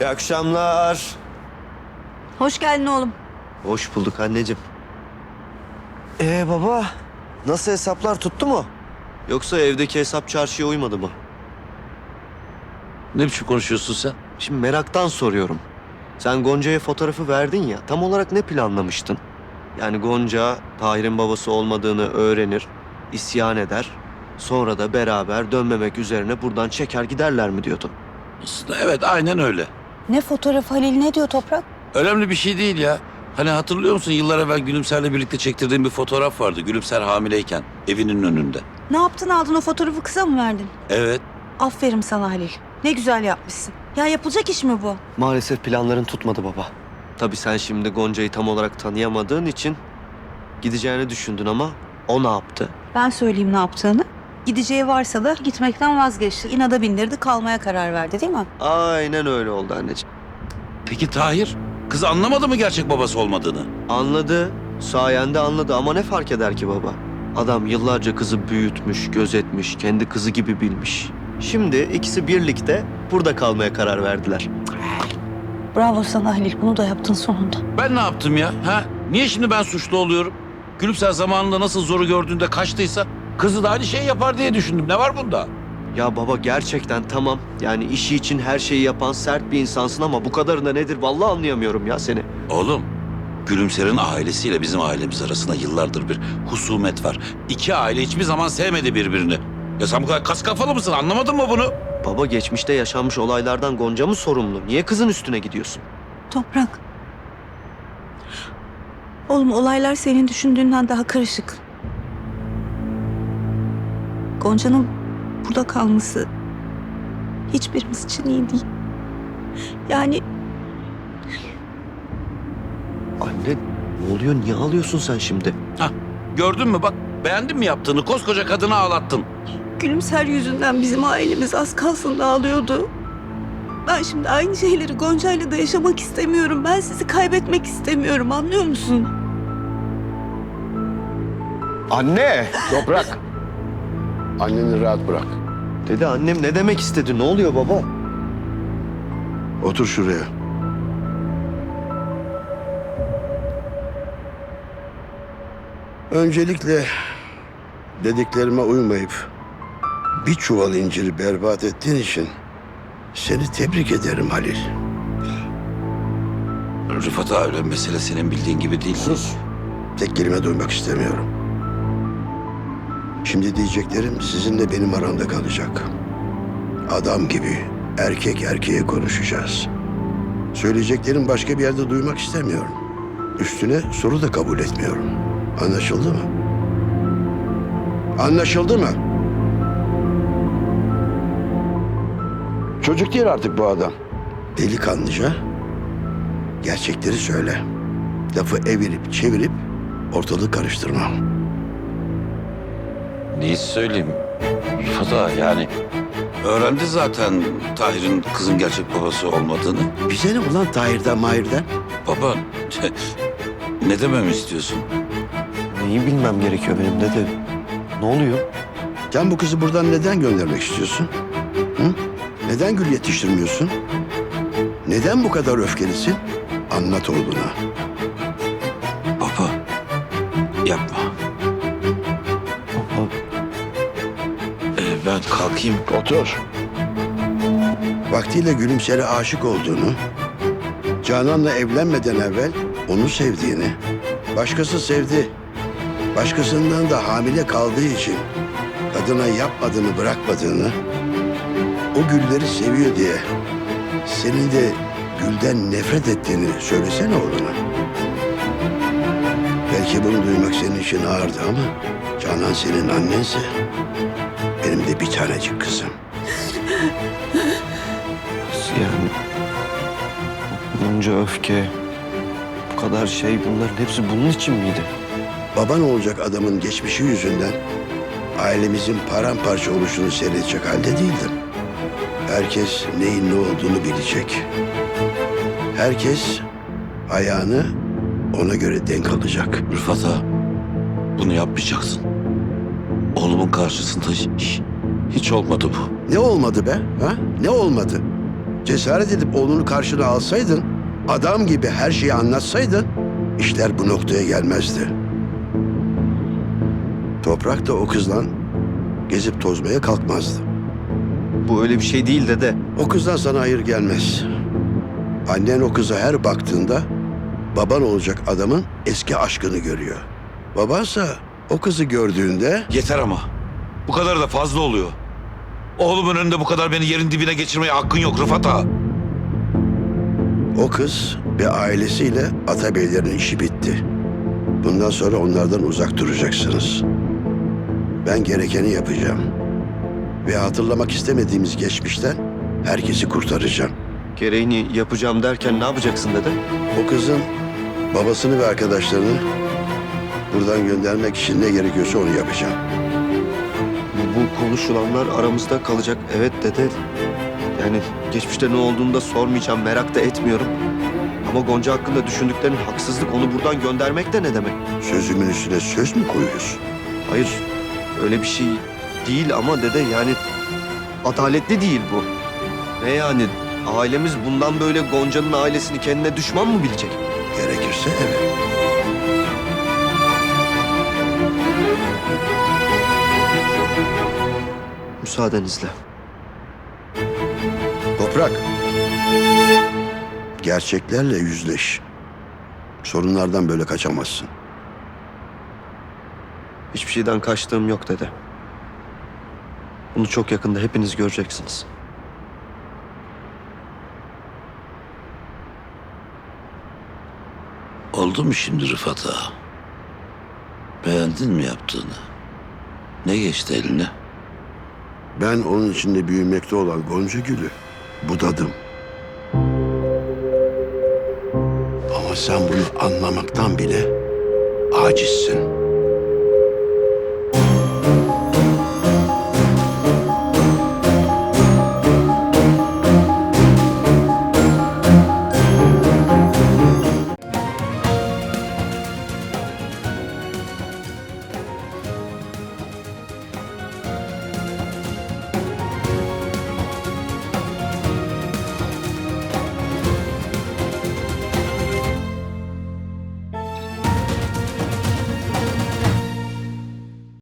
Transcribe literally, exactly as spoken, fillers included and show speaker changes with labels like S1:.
S1: İyi akşamlar.
S2: Hoş geldin oğlum.
S1: Hoş bulduk anneciğim. Ee baba, nasıl hesaplar tuttu mu? Yoksa evdeki hesap çarşıya uymadı mı?
S3: Ne biçim konuşuyorsun sen?
S1: Şimdi meraktan soruyorum. Sen Gonca'ya fotoğrafı verdin ya, tam olarak ne planlamıştın? Yani Gonca, Tahir'in babası olmadığını öğrenir, isyan eder. Sonra da beraber dönmemek üzerine buradan çeker giderler mi diyordun?
S3: Aslında evet, aynen öyle.
S2: Ne fotoğrafı Halil, ne diyor Toprak?
S3: Önemli bir şey değil ya. Hani hatırlıyor musun, yıllar evvel Gülümser'le birlikte çektirdiğim bir fotoğraf vardı. Gülümser hamileyken evinin önünde.
S2: Ne yaptın, aldın o fotoğrafı, kıza mı verdin?
S3: Evet.
S2: Aferin sana Halil. Ne güzel yapmışsın. Ya yapılacak iş mi bu?
S1: Maalesef planların tutmadı baba. Tabii sen şimdi Gonca'yı tam olarak tanıyamadığın için gideceğini düşündün ama o ne yaptı?
S2: Ben söyleyeyim ne yaptığını. Gideceği varsa da gitmekten vazgeçti. İnada bindirdi, kalmaya karar verdi değil mi?
S1: Aynen öyle oldu anneciğim.
S3: Peki Tahir? Kız anlamadı mı gerçek babası olmadığını?
S1: Anladı, sayende anladı ama ne fark eder ki baba? Adam yıllarca kızı büyütmüş, gözetmiş, kendi kızı gibi bilmiş. Şimdi ikisi birlikte burada kalmaya karar verdiler.
S2: Bravo sana Halil, bunu da yaptın sonunda.
S3: Ben ne yaptım ya? Ha? Niye şimdi ben suçlu oluyorum? Gülümser zamanında nasıl zoru gördüğünde kaçtıysa kızı da aynı şeyi yapar diye düşündüm. Ne var bunda?
S1: Ya baba gerçekten tamam. Yani işi için her şeyi yapan sert bir insansın ama bu kadarında nedir? Vallahi anlayamıyorum ya seni.
S3: Oğlum, Gülümser'in ailesiyle bizim ailemiz arasında yıllardır bir husumet var. İki aile hiçbir zaman sevmedi birbirini. Ya sen bu kadar kas kafalı mısın? Anlamadın mı bunu?
S1: Baba geçmişte yaşanmış olaylardan Gonca mı sorumlu? Niye kızın üstüne gidiyorsun?
S2: Toprak. Oğlum, olaylar senin düşündüğünden daha karışık. Gonca'nın burada kalması hiçbirimiz için iyi değil. Yani
S1: Anne ne oluyor? Niye ağlıyorsun sen şimdi?
S3: Hah, gördün mü bak, beğendin mi yaptığını? Koskoca kadını ağlattın.
S2: Gülümser yüzünden bizim ailemiz az kalsın dağılıyordu. Ben şimdi aynı şeyleri Gonca'yla da yaşamak istemiyorum. Ben sizi kaybetmek istemiyorum, anlıyor musun?
S1: Anne!
S4: Toprak. Anneni rahat bırak.
S1: Dedi annem ne demek istedi? Ne oluyor baba?
S4: Otur şuraya. Öncelikle dediklerime uymayıp bir çuval inciri berbat ettiğin için seni tebrik ederim Halil.
S3: Rıfat abi, mesele senin bildiğin gibi değil.
S4: Sus. Tek kelime duymak istemiyorum. Şimdi diyeceklerim sizinle benim aramda kalacak. Adam gibi erkek erkeğe konuşacağız. Söyleyeceklerim başka bir yerde duymak istemiyorum. Üstüne soru da kabul etmiyorum. Anlaşıldı mı? Anlaşıldı mı? Çocuk değil artık bu adam. Delikanlıca gerçekleri söyle. Lafı evirip çevirip ortalığı karıştırma.
S3: Neyi söyleyeyim Rıfat abi, yani öğrendi zaten Tahir'in kızın gerçek babası olmadığını.
S4: Bize ne ulan Tahir'den Mahir'den?
S3: Baba, ne dememi istiyorsun?
S1: Neyi bilmem gerekiyor benim dede? Ne oluyor?
S4: Sen bu kızı buradan neden göndermek istiyorsun? Hı? Neden gül yetiştirmiyorsun? Neden bu kadar öfkelisin? Anlat oğluna.
S3: Baba, yapma.
S1: Baba
S3: Ee, ben kalkayım.
S4: Otur. Vaktiyle Gülümser'e aşık olduğunu, Canan'la evlenmeden evvel onu sevdiğini, başkası sevdi, başkasından da hamile kaldığı için kadına yapmadığını bırakmadığını, o gülleri seviyor diye senin de gülden nefret ettiğini söylesene oğluna. Belki bunu duymak senin için ağırdı ama Canan senin annense benim de bir tanecik kızım.
S1: nasıl yani? Bunca öfke, bu kadar şey bunların hepsi bunun için miydi?
S4: Baban olacak adamın geçmişi yüzünden ailemizin paramparça oluşunu seyredecek halde değildim. Herkes neyin ne olduğunu bilecek. Herkes ayağını ona göre denk alacak.
S3: Rıfat ağa, bunu yapmayacaksın. Oğlumun karşısında hiç, hiç olmadı bu.
S4: Ne olmadı be? Ha? Ne olmadı? cesaret edip oğlunu karşına alsaydın, adam gibi her şeyi anlatsaydın, işler bu noktaya gelmezdi. Toprak da o kızla gezip tozmaya kalkmazdı.
S1: Bu öyle bir şey değil dede.
S4: O kızdan sana hayır gelmez. Annen o kıza her baktığında baban olacak adamın eski aşkını görüyor. Babansa o kızı gördüğünde
S3: Yeter ama. Bu kadar da fazla oluyor. Oğlumun önünde bu kadar beni yerin dibine geçirmeye hakkın yok Rıfat ağa.
S4: o kız ve ailesiyle Atabeylerin işi bitti. Bundan sonra onlardan uzak duracaksınız. Ben gerekeni yapacağım. Ve hatırlamak istemediğimiz geçmişten herkesi kurtaracağım.
S1: Gereğini yapacağım derken ne yapacaksın dede?
S4: O kızın babasını ve arkadaşlarını buradan göndermek için ne gerekiyorsa onu yapacağım.
S1: Bu, bu konuşulanlar aramızda kalacak. Evet dede. Yani geçmişte ne olduğunu da sormayacağım, merak da etmiyorum. Ama Gonca hakkında düşündüklerin haksızlık, onu buradan göndermek de ne demek?
S4: Sözümün üstüne söz mü koyuyorsun?
S1: Hayır, öyle bir şey değil ama dede yani adaletli değil bu. Ne yani? Ailemiz bundan böyle Gonca'nın ailesini kendine düşman mı bilecek?
S4: Gerekirse evet.
S1: Müsaadenizle.
S4: Toprak. Gerçeklerle yüzleş. Sorunlardan böyle kaçamazsın.
S1: Hiçbir şeyden kaçtığım yok dede. Bunu çok yakında hepiniz göreceksiniz.
S3: Oldu mu şimdi Rıfat ağa? Beğendin mi yaptığını? Ne geçti eline?
S4: Ben onun içinde büyümekte olan Gonca Gül'ü budadım. Ama sen bunu anlamaktan bile acizsin.